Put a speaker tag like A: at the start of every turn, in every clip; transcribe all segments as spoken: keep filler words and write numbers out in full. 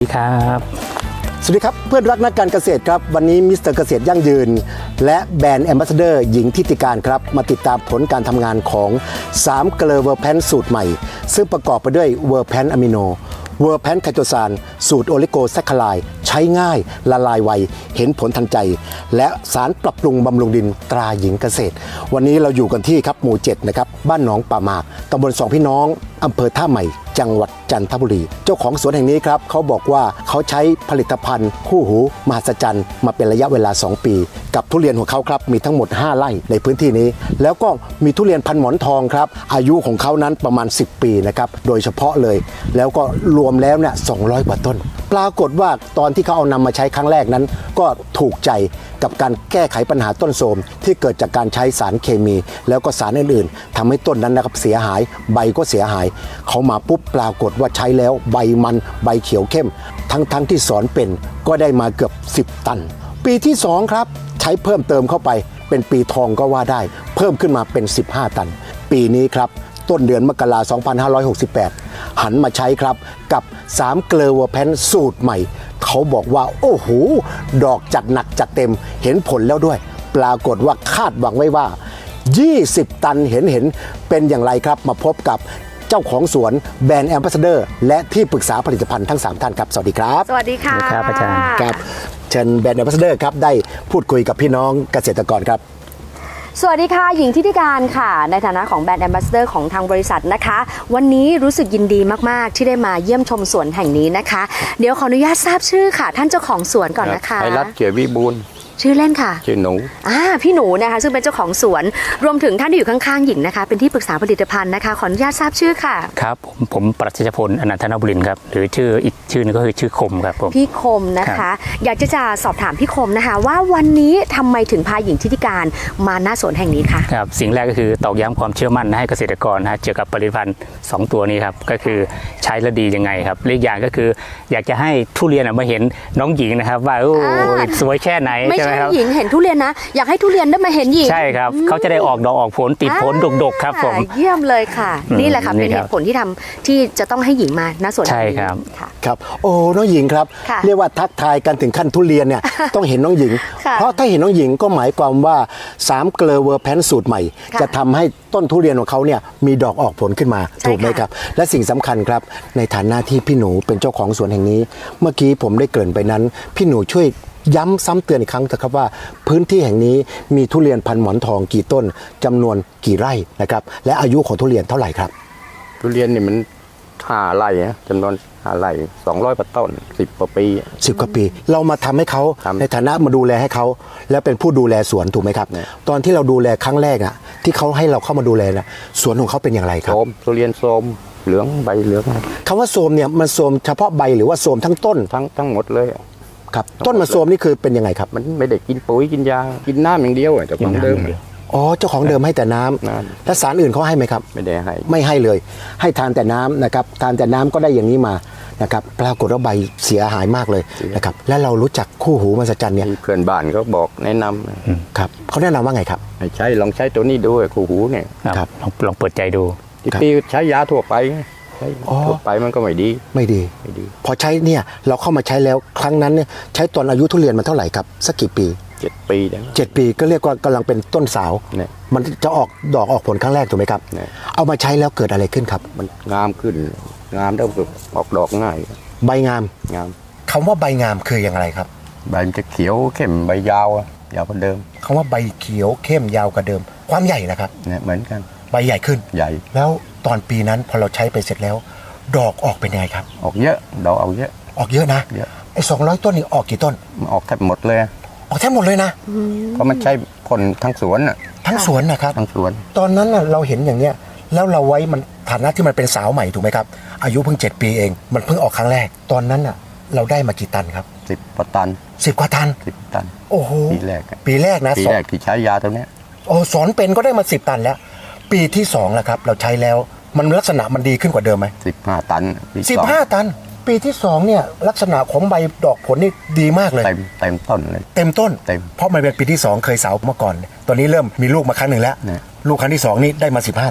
A: สวัสดีครับ
B: สวัสดีครับเพื่อนรักนักการเกษตรครับวันนี้มิสเตอร์เกษตรยั่งยืนและแบรนด์แอมบาสเดอร์หญิงทิติการครับมาติดตามผลการทำงานของสามเกลอเวอร์แพนสูตรใหม่ซึ่งประกอบไปด้วยเวอร์แพนอะมิโนเวอร์แพนไคโตซานสูตรโอลิโกแซคคาไลด์ใช้ง่ายละลายไวเห็นผลทันใจและสารปรับปรุงบำรุงดินตราหญิงเกษตรวันนี้เราอยู่กันที่ครับหมู่เจ็ดนะครับบ้านหนองป่าหมากตำบลสองพี่น้องอำเภอท่าใหม่จังหวัดจันทบุรีเจ้าของสวนแห่งนี้ครับเขาบอกว่าเขาใช้ผลิตภัณฑ์คู่หูมหัศจรรย์มาเป็นระยะเวลาสองปีกับทุเรียนของเขาครับมีทั้งหมดห้าไร่ในพื้นที่นี้แล้วก็มีทุเรียนพันหมอนทองครับอายุของเขานั้นประมาณสิบปีนะครับโดยเฉพาะเลยแล้วก็รวมแล้วเนี่ยสองร้อยกว่าต้นปรากฏว่าตอนที่เขาเอานำมาใช้ครั้งแรกนั้นก็ถูกใจกับการแก้ไขปัญหาต้นโทรมที่เกิดจากการใช้สารเคมีแล้วก็สารอื่นๆทำให้ต้นนั้นนะครับเสียหายใบก็เสียหายเขามาปุ๊บปรากฏว่าใช้แล้วใบมันใบเขียวเข้มทั้งๆ ท, ที่สอนเป็นก็ได้มาเกือบสิบตันปีที่สองครับใช้เพิ่มเติมเข้าไปเป็นปีทองก็ว่าได้เพิ่มขึ้นมาเป็นสิบห้าตันปีนี้ครับต้นเดือนมกราคมสองพันห้าร้อยหกสิบแปดหันมาใช้ครับกับสามเกลอเวอร์แพนสูตรใหม่เขาบอกว่าโอ้โหดอกจัดหนักจัดเต็มเห็นผลแล้วด้วยปรากฏว่าคาดหวังไว้ว่ายี่สิบตันเห็นเห็นเป็นอย่างไรครับมาพบกับเจ้าของสวนแบรนด์แอมบาสเดอร์และที่ปรึกษาผลิตภัณฑ์ทั้งสามท่านครับสวัสดีครับ
C: สวัสดีค่ะ
A: ครับอาจารย์
B: ครับเชิญแบรนด์แอมบาสเดอร์ครับได้พูดคุยกับพี่น้องเกษตรกรครับ
C: สวัสดีค่ะหญิงทิติการค่ะในฐานะของแบรนด์แอมบาสเดอร์ของทางบริษัทนะคะวันนี้รู้สึกยินดีมากๆที่ได้มาเยี่ยมชมสวนแห่งนี้นะคะเดี๋ยวขออนุญาตทราบชื่อค่ะท่านเจ้าของสวนก่อนนะคะ
D: ไพรัตน์เกียรติวิบูลย์
C: ชื่อเล่นค่ะ
D: ชื่อหนู
C: อ่าพี่หนูนะคะซึ่งเป็นเจ้าของสวนรวมถึงท่านที่อยู่ข้างๆหญิงนะคะเป็นที่ปรึกษาผลิตภัณฑ์นะคะขออนุญาตทราบชื่อค่ะ
A: ครับผมผมปรัชญพลอนันทนบุรินทร์ครับหรือชื่ออีกชื่อนึงก็คือชื่อคมครับผม
C: พี่คมนะคะอยากจะจะสอบถามพี่คมนะคะว่าวันนี้ทำไมถึงพาหญิงทิติการมาหน้าสวนแห่งนี้คะ
A: ครับสิ่งแรกก็คือตอกย้ำความเชื่อมั่นให้เกษตรกรนะเกี่ยวกับผลิตภัณฑ์สองตัวนี้ครับก็คือใช้แล้วดียังไงครับอีกอย่างก็คืออยากจะให้ทุเรียนมาเห็นน้องหญิงนะครับว่าโอ้สวยแค่ไหน
C: ไม่ใช่หญิงเห็นทุเรียนนะอยากให้ทุเรียนได้มาเห็นหญิง
A: ใช่ครับเขาจะได้ออกดอกออกผลติดผลดกๆครับผม
C: เยี่ยมเลยค่ะนี่แหละค่ะเป็นเหตุผลที่ทำที่จะต้องให้หญิงมาณสวน
A: ใช่ครับ
B: ครับโอ้น้องหญิงครับเรียกว่าทักทายกันถึงขั้นทุเรียนเนี่ยต้องเห็นน้องหญิงเพราะถ้าเห็นน้องหญิงก็หมายความว่าสามเกลอเวอร์แพนสูตรใหม่จะทำให้ต้นทุเรียนของเขาเนี่ยมีดอกออกผลขึ้นมาถูกไหมครับและสิ่งสำคัญครับในฐานะที่พี่หนูเป็นเจ้าของสวนแห่งนี้เมื่อกี้ผมได้เกริ่นไปนั้นพี่หนูช่วยย้ำซ้ำเตือนอีกครั้งเถอะครับว่าพื้นที่แห่งนี้มีทุเรียนพันหมอนทองกี่ต้นจำนวนกี่ไร่นะครับและอายุของทุเรียนเท่าไหร่ครับ
D: ทุเรียนนี่มันห้าไร่นะจำนวนห้าไร่สองร้อยกว่าต้นสิบกว่าปี
B: สิบกว่าปีเรามาทำให้เขาในฐานะมาดูแลให้เขาแล้วเป็นผู้ดูแลสวนถูกไหมครับตอนที่เราดูแลครั้งแรกอ่ะที่เขาให้เราเข้ามาดูแลนะสวนของเขาเป็นอย่างไรครับ
D: โทรมทุเรียนโทรมเหลืองใบเหลือง
B: คำว่าโทรมเนี่ยมันโทรมเฉพาะใบหรือว่าโทรมทั้งต้น
D: ทั้งทั้งหมดเลย
B: ครับต้นมาโทรมนี่คือเป็นยังไงครับ
D: มันไม่ได้กินปุ๋ยกินยากินน้ำอย่างเดียวแต่ของเดิม
B: อ๋อเจ้าของเดิมให้แต่น้ำแล้วสารอื่นเขาให้ไหมครับ
D: ไม่ได้ให้
B: ไม่ให้เลยให้ทานแต่น้ำนะครับทานแต่น้ำก็ได้อย่างนี้มานะครับปรากฏว่าใบเสียหายมากเลยนะครับและเรารู้จักคู่หูมหัศจรรย์เนี่ย
D: เพื่อนบ้านเขาบอกแนะน
B: ำครับเขาแนะนำว่าไงครับ
D: ให้ใช้ลองใช้ตัวนี้ดูคู่หูเนี่ย
A: ครับลองลองเปิดใจดู
D: ที่ปีใช้ยาทั่วไปทั่วไปมันก็ไม่ดี
B: ไม่ดีไม่ดีพอใช้เนี่ยเราเข้ามาใช้แล้วครั้งนั้นเนี่ยใช้ตอนอายุทุเรียนมันเท่าไหร่ครับสักกี่ปี
D: เจ็ดปี
B: เจ็ดปีก็เรียกว่ากำลังเป็นต้นสาวมันจะออกดอกออกผลครั้งแรกถูกไหมครับเอามาใช้แล้วเกิดอะไรขึ้นครับ
D: มันงามขึ้นงามแล้วออกดอกง่าย
B: ใบงาม
D: งาม
B: คำว่าใบงามคืออย่างไรครับ
D: ใบมันจะเขียวเข้มใบยาวยาวกว่าเดิม
B: คำว่าใบเขียวเข้มยาวกว่าเดิมความใหญ่นะครับ
D: เนี่ยเหมือนกัน
B: ใบใหญ่ขึ้น
D: ใหญ่
B: แล้วตอนปีนั้นพอเราใช้ไปเสร็จแล้วดอกออกเป็นยังไงครับ
D: ออกเยอะดอกออกเยอะ
B: ออกเยอะนะ
D: เยอะ
B: ไอ้สองร้อยต้นนี่ออกกี่ต้น
D: ออกแทบหมดเลย
B: ออกแทบหมดเลยนะ
D: เพราะมันใช้ผลทั้งสวนอ่ะ
B: ทั้งสวนนะครับ
D: ทั้งสวน
B: ตอนนั้นเราเห็นอย่างเนี้ยแล้วเราไว้มันฐานะที่มันเป็นสาวใหม่ถูกไหมครับอายุเพิ่งเจ็ดปีเองมันเพิ่งออกครั้งแรกตอนนั้นอ่ะเราได้มากี่ตันครับ
D: สิบกว่าตัน
B: สิบกว่าตัน
D: สิบตัน
B: โอ้โห
D: ปีแรก
B: ปีแรกนะ
D: ปีแรกที่ใช้ยาตัวเนี้ย
B: โอ้สอนเป็นก็ได้มาสิบตันแล้วปีที่สองแล้วครับเราใช้แล้วมันลักษณะมันดีขึ้นกว่าเดิมไหม
D: สิบห้าตัน
B: สิบห้าตันปีที่สองเนี่ยลักษณะของใบดอกผลนี่ดีมากเลย
D: เต็มเต็มต้นเลย
B: เต็มต้น
D: เต็ม
B: เพราะมันเป็นปีที่สองเคยสาวเมื่อก่อนตอนนี้เริ่มมีลูกมาครั้งหนึ่งแล้วลูกครั้งที่สองนี่ได้มาสิบห้าตัน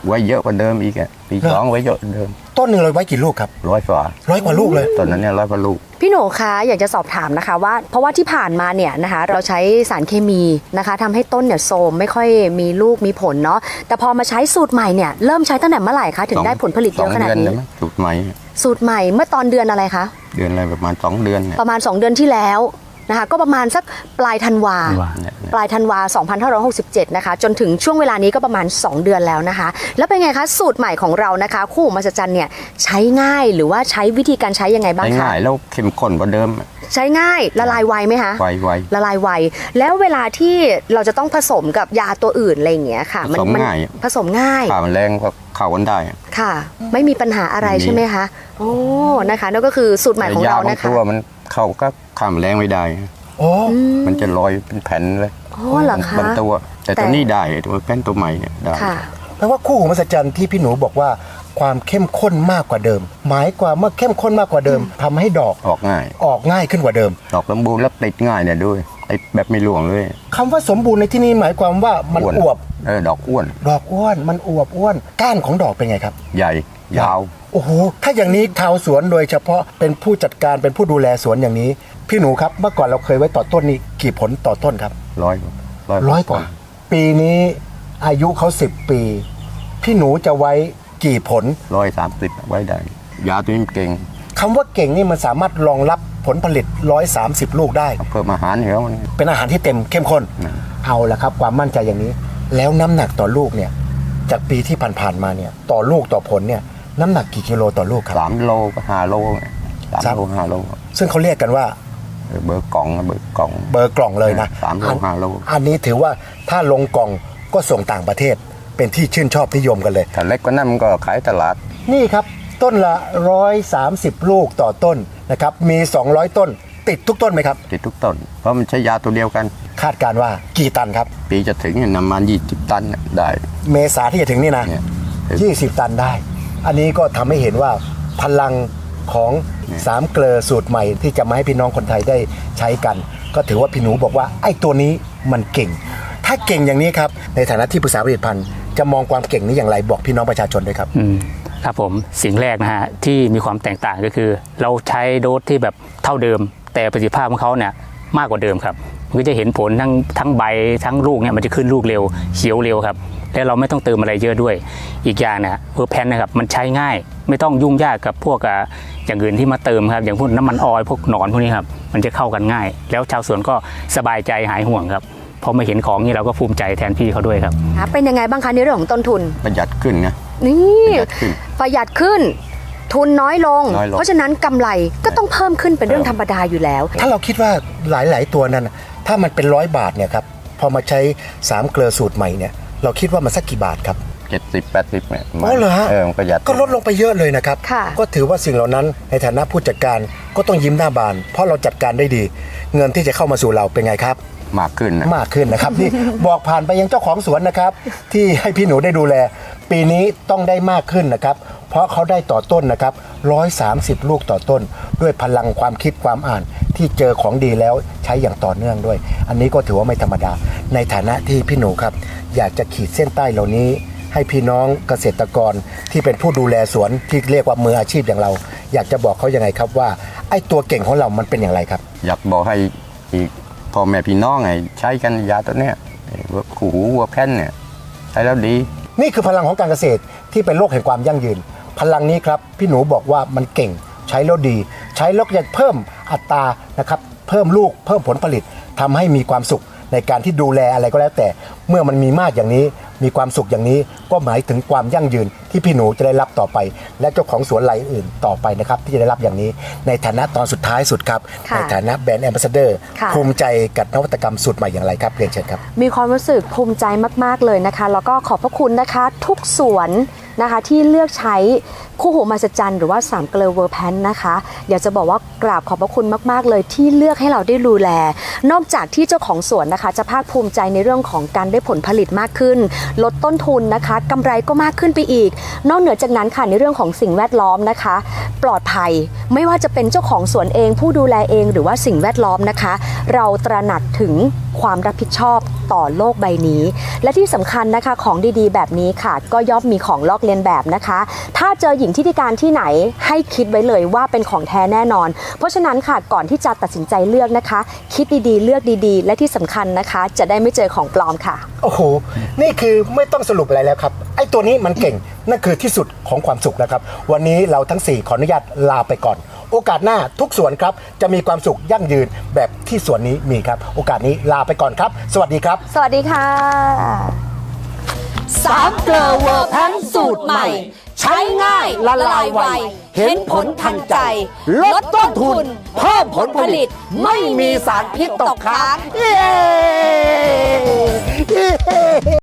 D: ไว้เยอะกว่าเดิมอีกอ่ะปีสองไว้เยอะกว่าเดิม
B: ต้นหนึ่งเราไว้กี่ลูกครับ
D: ร้อยกว่า
B: ร้อยกว่าลูกเลย
D: ตอนนั้นเนี่ยร้อยกว่าลูก
C: พี่โหนคะอยากจะสอบถามนะคะว่าเพราะว่าที่ผ่านมาเนี่ยนะคะเราใช้สารเคมีนะคะทำให้ต้นเนี่ยโทรมไม่ค่อยมีลูกมีผลเนาะแต่พอมาใช้สูตรใหม่เนี่ยเริ่มใช้ตั้งแต่เมื่อไหร่คะถึงได้ผลผลิตเยอะขนาดนี้
D: สองเดือสูตรใหม่
C: สูตรใหม่เมื่อตอนเดือนอะไรคะ
D: เดือนอะไรประมาณสองเดือนเนี่ย
C: ประมาณ สอง เดือนที่แล้วนะคะก็ประมาณสักปลายธันวา
A: ธันวา
D: เนี่ย
C: ปลายธันวาสองพันห้าร้อยหกสิบเจ็ดนะคะจนถึงช่วงเวลานี้ก็ประมาณ สอง เดือนแล้วนะคะแล้วเป็นไงคะสูตรใหม่ของเรานะคะคู่หูมหัศจรรย์เนี่ยใช้ง่ายหรือว่าใช้วิธีการใช้ยังไงบ้าง
D: ใช้
C: คะ
D: ง่ายแล้วเข้มข้นกว่าเดิม
C: ใช้ง่ายละลายไวไหมคะ
D: ไวไว
C: ละลายไวแล้วเวลาที่เราจะต้องผสมกับยาตัวอื่นอะไรอย่างเงี้ยค่ะ
D: ผสม
C: มั
D: ง่าย
C: ผสมง่าย
D: ข่ามันแรงก็เข้ากันได้
C: ค่ะ ไม่มีปัญหาอะไร
D: ไม่มี
C: ใช่ไหมคะโอ้นะคะนั่นก็คือสูตรใหม่ของเรา
D: แต่ยบาง
C: นะคะ
D: ตัวมันเข้าก็ข่ามันแรงไม่ได้
B: โอ้
D: มันจะลอยเป็นแผ่นเลย
C: อ๋อเหรอคะ
D: บางตัวแต่
C: แต่
D: ตัวนี้ได้ตัวแป้นตัวใหม่เนี่ยได้
C: ค่ะ
B: แปลว่าคู่หูมหัศจรรย์ที่พี่หนูบอกว่าความเข้มข้นมากกว่าเดิม หมายความว่าเข้มข้นมากกว่าเดิมทำให้ดอก
D: ออกง่าย
B: ออกง่ายขึ้นกว่าเดิม
D: ดอกสมบูรณ์แล้วติดง่ายเนี่ยด้วยติดแบบไม่หลวงเลย
B: คำว่าสมบูรณ์ในที่นี้หมายความว่ามันอวบ
D: เออดอกอ้วน
B: ดอกอ้วนมันอวบอ้วนก้านของดอกเป็นไงครับ
D: ใหญ่ยาว
B: โอ้โหถ้าอย่างนี้ชาวสวนโดยเฉพาะเป็นผู้จัดการเป็นผู้ดูแลสวนอย่างนี้ พี่หนูครับเมื่อก่อนเราเคยไว้ต่อต้นนี้กี่ผลต่อต้นครับ
D: ร้อย
B: ร้อยกว่าปีนี้อายุเขาสิบปี พี่หนูจะไว้กี่ผล
D: ร้อยสามสิบไว้ได้ ยาตัวนี้เก่ง
B: คำว่าเก่งนี่มันสามารถรองรับผลผลิตหนึ่งร้อยสามสิบลูกได้
D: เพิ่มอาหารเหรอมัน
B: เป็นอาหารที่เต็มเข้มข้น
D: นะ
B: เอาละครับความมั่นใจอย่างนี้ แล้วน้ำหนักต่อลูกเนี่ยจากปีที่ผ่านๆมาเนี่ยต่อลูกต่อผลเนี่ยน้ำหนักกี่กิโลต่อลูกครับ
D: สามโลก็ห้าโลไงสาม
B: ครับ
D: โลห้าโล
B: ซึ่งเขาเรียกกันว่า
D: เออเบอร์กล่องเบอร์กล่อง
B: เบอร์กล่องเลยนะ
D: สามโล
B: อัน
D: ห้าโล
B: อันนี้ถือว่าถ้าลงกล่องก็ส่งต่างประเทศ เป็นที่ชื่นชอบนิยมกันเลย
D: ถ้าเล็กกว่านั้นมันก็ขายตลาด
B: นี่ครับต้นละหนึ่งร้อยสามสิบลูกต่อต้นนะครับมีสองร้อยต้น ติดทุกต้นไหมครับ
D: ติดทุกต้น เพราะมันใช้ยาตัวเดียวกัน
B: คาดการณ์ว่ากี่ตันครับ
D: ปีจะถึงเนี่ยนำมายี่สิบตันเนี่ยได้
B: เมษาที่จะถึงนี่นะ
D: เนี่ย
B: ยี่สิบตันได้ อันนี้ก็ทำให้เห็นว่าพลังของสามเกลอสูตรใหม่ที่จะมาให้พี่น้องคนไทยได้ใช้กัน ก็ถือว่าพี่หนูบอกว่าไอ้ตัวนี้มันเก่ง ถ้าเก่งอย่างนี้ครับในฐานะที่ปรึกษาผลิตภัณฑ์จะมองความเก่งนี้อย่างไรบอกพี่น้องประชาชนด้วยครับ
A: อืมครับผมสิ่งแรกนะฮะที่มีความแตกต่างก็คือ เราใช้โดสที่แบบเท่าเดิม แต่ประสิทธิภาพของเขาเนี่ยมากกว่าเดิมครับมันก็จะเห็นผลทั้งทั้งใบทั้งลูกเนี่ยมันจะขึ้นลูกเร็วเขียวเร็วครับและเราไม่ต้องเติมอะไรเยอะด้วย อีกอย่างนะเวอร์แพนนะครับมันใช้ง่ายไม่ต้องยุ่งยากกับพวกอ่ะอย่างอื่นที่มาเติมครับอย่างพวกน้ำมันออยล์พวกหนอนพวกนี้ครับมันจะเข้ากันง่าย แล้วชาวสวนก็สบายใจหายห่วงครับพอมาเห็นของนี่เราก็ภูมิใจแทนพี่เขาด้วยครับ
C: เป็นยังไงบ้างคะในเรื่องของต้นทุน
D: ประหยัดขึ้นนะ
C: นี่
D: ประหยัดขึ้น
C: ประหยัดขึ้น ทุนน้อยลง
D: น้อยลง
C: เพราะฉะนั้นกำไรก็ต้องเพิ่มขึ้นเป็นเรื่องธรรมดาอยู่แล้ว
B: ถ้าเราคิดว่าหลาย ๆ ตัวนั้นน่ะถ้ามันเป็นร้อยบาทเนี่ยครับพอมาใช้สามเกลอสูตรใหม่เนี่ยเราคิดว่ามันสักกี่บาทครับ
D: เจ็ดสิบแปดสิบเนี่ย
B: อ๋อเหรอฮะ
D: เออมันประหยัด
B: ก็ลดลงไปเยอะเลยนะครับ
C: ค่ะ
B: ก็ถือว่าสิ่งเหล่านั้นในฐานะผู้จัดการก็ต้องยิ้มหน้าบาน เพราะเราจัดการได้ดี เงินที่จะเข้ามาสู่เราเป็นไงครับ
D: มากขึ้นนะ
B: มากขึ้นนะครับ นี่ บอกผ่านไปยังเจ้าของสวนนะครับ ที่ให้พี่หนูได้ดูแล ปีนี้ต้องได้มากขึ้นนะครับ เพราะเขาได้ต่อต้นนะครับหนึ่งร้อยสามสิบลูกต่อต้น ด้วยพลังความคิดความอ่านที่เจอของดีแล้วใช้อย่างต่อเนื่องด้วย อันนี้ก็ถือว่าไม่ธรรมดา ในฐานะที่พี่หนูครับ อยากจะขีดเส้นใต้เหล่านี้ ให้พี่น้องเกษตรกรที่เป็นผู้ดูแลสวนที่เรียกว่ามืออาชีพอย่างเรา อยากจะบอกเขายังไงครับว่าไอ้ตัวเก่งของเรามันเป็นอย่างไรครับ
D: อยากบอกให้อีกพ่อแม่พี่น้องไงใช้กันยาตัวเนี้ยไอ้วัวขู่หูวัวแพนเนี่ยใช้แล้วดี
B: นี่คือพลังของการเกษตรที่เป็นโลกแห่งความยั่งยืน พลังนี้ครับพี่หนูบอกว่ามันเก่งใช้แล้วดี ใช้แล้วจะเพิ่มอัตรานะครับเพิ่มลูกเพิ่มผลผลิตทำให้มีความสุขในการที่ดูแลอะไรก็แล้วแต่ เมื่อมันมีมากอย่างนี้มีความสุขอย่างนี้ก็หมายถึงความยั่งยืนที่พี่หนูจะได้รับต่อไป และเจ้าของสวนรายอื่นต่อไปนะครับที่จะได้รับอย่างนี้ ในฐานะตอนสุดท้ายสุดครับ
C: ค่ะ
B: ในฐานะแบรนด์แอมบาสเดอร์
C: ค่ะ
B: ภูมิใจกับนวัตกรรมสูตรใหม่อย่างไรครับเรียนเชิญครับ
C: มีความรู้สึกภูมิใจมากๆเลยนะคะ แล้วก็ขอบพระคุณนะคะทุกสวนนะคะที่เลือกใช้คู่หูมหัศจรรย์หรือว่าสามเกลอเวอร์แพนนะคะอยากจะบอกว่ากราบขอบพระคุณมากๆเลยที่เลือกให้เราได้ดูแล นอกจากที่เจ้าของสวนนะคะจะภาคภูมิใจในเรื่องของการได้ผลผลิตมากขึ้น ลดต้นทุนนะคะกำไรก็มากขึ้นไปอีก นอกเหนือจากนั้นค่ะในเรื่องของสิ่งแวดล้อมนะคะ ปลอดภัยไม่ว่าจะเป็นเจ้าของสวนเองผู้ดูแลเองหรือว่าสิ่งแวดล้อมนะคะ เราตระหนักถึงความรับผิดชอบต่อโลกใบนี้ และที่สำคัญนะคะของดีๆแบบนี้ค่ะก็ย่อมมีของลอกเลียนแบบนะคะถ้าเจอหญิงทิติการที่ไหนให้คิดไว้เลยว่าเป็นของแท้แน่นอนเพราะฉะนั้นค่ะก่อนที่จะตัดสินใจเลือกนะคะคิดดีๆเลือกดีๆและที่สำคัญนะคะจะได้ไม่เจอของปลอมค่ะ
B: โอ้โห นี่คือไม่ต้องสรุปอะไรแล้วครับ ไอ้ตัวนี้มันเก่ง นั่นคือที่สุดของความสุขนะครับ วันนี้เราทั้งสี่ขออนุญาตลาไปก่อน โอกาสหน้าทุกสวนครับ จะมีความสุขยั่งยืนแบบที่สวนนี้มีครับ โอกาสนี้ลาไปก่อนครับ สวัสดีครับ
C: สวัสดีค่ะสามเกลอเวอร์แพนสูตรใหม่ ใช้ง่ายละลายไว เห็นผลทันใจ ลดต้นทุน เพิ่มผลผลิต ไม่มีสารพิษตกค้าง